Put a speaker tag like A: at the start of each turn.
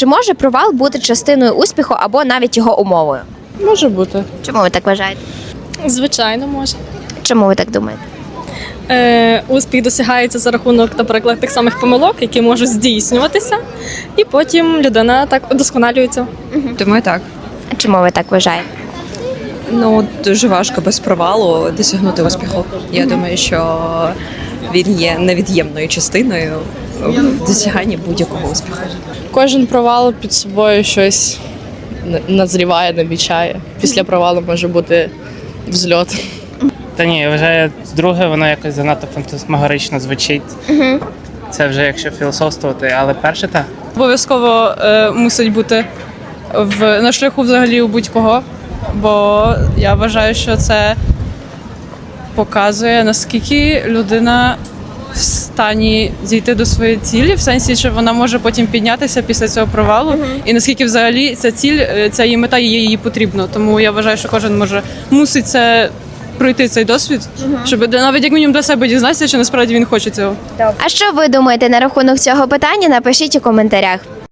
A: Чи може провал бути частиною успіху або навіть його умовою?
B: Може бути.
A: Чому ви так вважаєте?
B: Звичайно, може.
A: Чому ви так думаєте?
B: Успіх досягається за рахунок, наприклад, тих самих помилок, які можуть здійснюватися, і потім людина так удосконалюється.
C: Думаю, так.
A: А чому ви так вважаєте?
C: Ну, дуже важко без провалу досягнути успіху. Я думаю, що він є невід'ємною частиною в досяганні будь-якого успіху.
B: Кожен провал під собою щось назріває, намічає. Після провалу може бути взльот.
D: Та ні, я вважаю, друге, воно якось занадто фантасмагорично звучить. Це вже якщо філософствувати, але перше так.
E: Обов'язково мусить бути на шляху взагалі у будь-кого, бо я вважаю, що це показує, наскільки людина в стані дійти до своєї цілі, в сенсі, що вона може потім піднятися після цього провалу, і наскільки взагалі ця ціль, ця її мета їй потрібна. Тому я вважаю, що кожен мусить це пройти цей досвід, щоб навіть як мінімум для себе дізнатися, чи насправді він хоче цього.
A: А що ви думаєте на рахунок цього питання? Напишіть у коментарях.